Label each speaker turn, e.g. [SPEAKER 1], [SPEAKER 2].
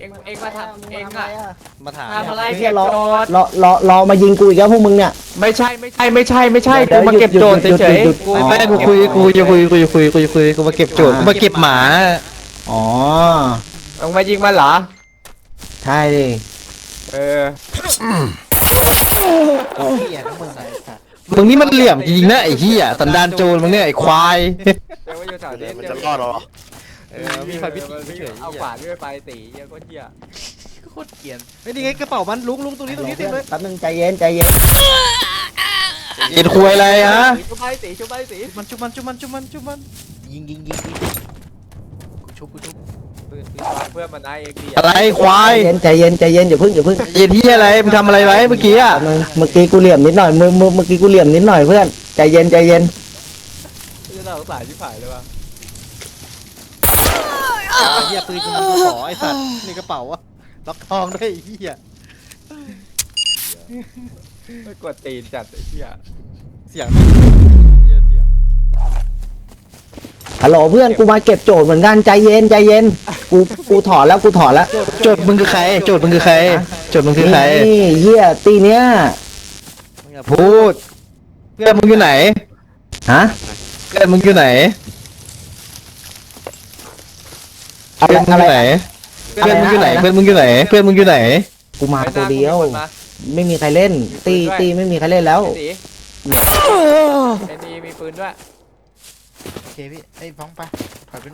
[SPEAKER 1] เองมาทำเองอะ
[SPEAKER 2] มาถาม
[SPEAKER 1] ทำอะไร
[SPEAKER 3] ไอ้เหี้
[SPEAKER 1] เก็
[SPEAKER 3] ย
[SPEAKER 1] บ
[SPEAKER 3] รอ
[SPEAKER 1] โจทย์
[SPEAKER 3] รอมายิงกูอีกแล้วพวกมึงเนี่ย
[SPEAKER 1] ไม่ใช่กูมาเก็บโจทย์เฉยๆกู
[SPEAKER 2] ไม่กูจะคุยกูมาเก็บโจทย์กูมาเก็บหมา
[SPEAKER 3] อ๋อ
[SPEAKER 1] มึงมายิงมันเหรอ
[SPEAKER 3] ใช่ดิ
[SPEAKER 1] เออ
[SPEAKER 2] มึงนี่มันเหลี่ยมจริงนะไอ้เหี้ยสันดานโจรมึงเนี่ยไอ้ควาย
[SPEAKER 1] เดี๋ยวมาอยู่แถวนี้
[SPEAKER 4] มันจะรอดหรอ
[SPEAKER 2] มีไฟพิษเฉย
[SPEAKER 1] เอาขวานด้วยไปตีเหี้ยโคตรเหี้ย
[SPEAKER 2] โคตรเกลียนเฮ้ยนี่ไงกระเป๋ามันลุงตรงนี้เต็มเลย
[SPEAKER 3] แป๊บนึงใจเย็นใจเย็น
[SPEAKER 2] เย็นคุยอะไรฮะ
[SPEAKER 1] ชุบไปตีชุบไปตี
[SPEAKER 2] มันจุบมันยิงกูชุบ
[SPEAKER 1] เพื่อนมันได้เองดี
[SPEAKER 2] อะไรควาย
[SPEAKER 3] ใจเย็นอย่าเพิ่ง
[SPEAKER 2] เย็นที่อะไรมึงทำอะไรไว้เมื่อกี้อ่ะ
[SPEAKER 3] แป๊บนึงเมื่อกี้กูเหลี่ยมนิดหน่อยเมื่อกี้กูเหลี่ยมนิดหน่อยเพื่อนใจเย็น
[SPEAKER 1] จะน่าสงสารชิบหายเลยว่ะ
[SPEAKER 2] เหี้ยปืนกูมันขอไอ้สัตว์ในกระเป๋าอะล็อกทองด้วยไอ้เหี้ย
[SPEAKER 1] ไม่กดตีนจัดไอ้เหี้ย
[SPEAKER 2] เสียงเหี้ยเสียง
[SPEAKER 3] ฮัลโหลเพื่อนกูมาเก็บโจทย์เหมือนกันใจเย็นกูถอนแล้ว
[SPEAKER 2] โจทย์มึงคือใครโจทย์มึงคือใคร
[SPEAKER 3] นี่เหี้ยตีเนี้ย
[SPEAKER 2] มึงอย่าพูดเพื่อนมึงอยู่ไหน
[SPEAKER 3] ฮะ
[SPEAKER 2] เพื่อนมึงอยู่ไหน
[SPEAKER 3] อะ
[SPEAKER 2] เพื่อนมึง
[SPEAKER 3] ไร
[SPEAKER 2] อยู่ไหนเพื่อนมึงอยู่ไหนเพื่อนมึงอยู่ไหนเพื่อนมึงอยู่ไหน
[SPEAKER 3] กูมาตัวเดียว
[SPEAKER 1] มา
[SPEAKER 3] ไม่มีใครเล่นตีไม่มีใครเล่นแล้ว
[SPEAKER 1] ตีไอ้นี่มีปืนด้วย
[SPEAKER 4] โอเคพี่ไอ้ฟ้องไปถอยไป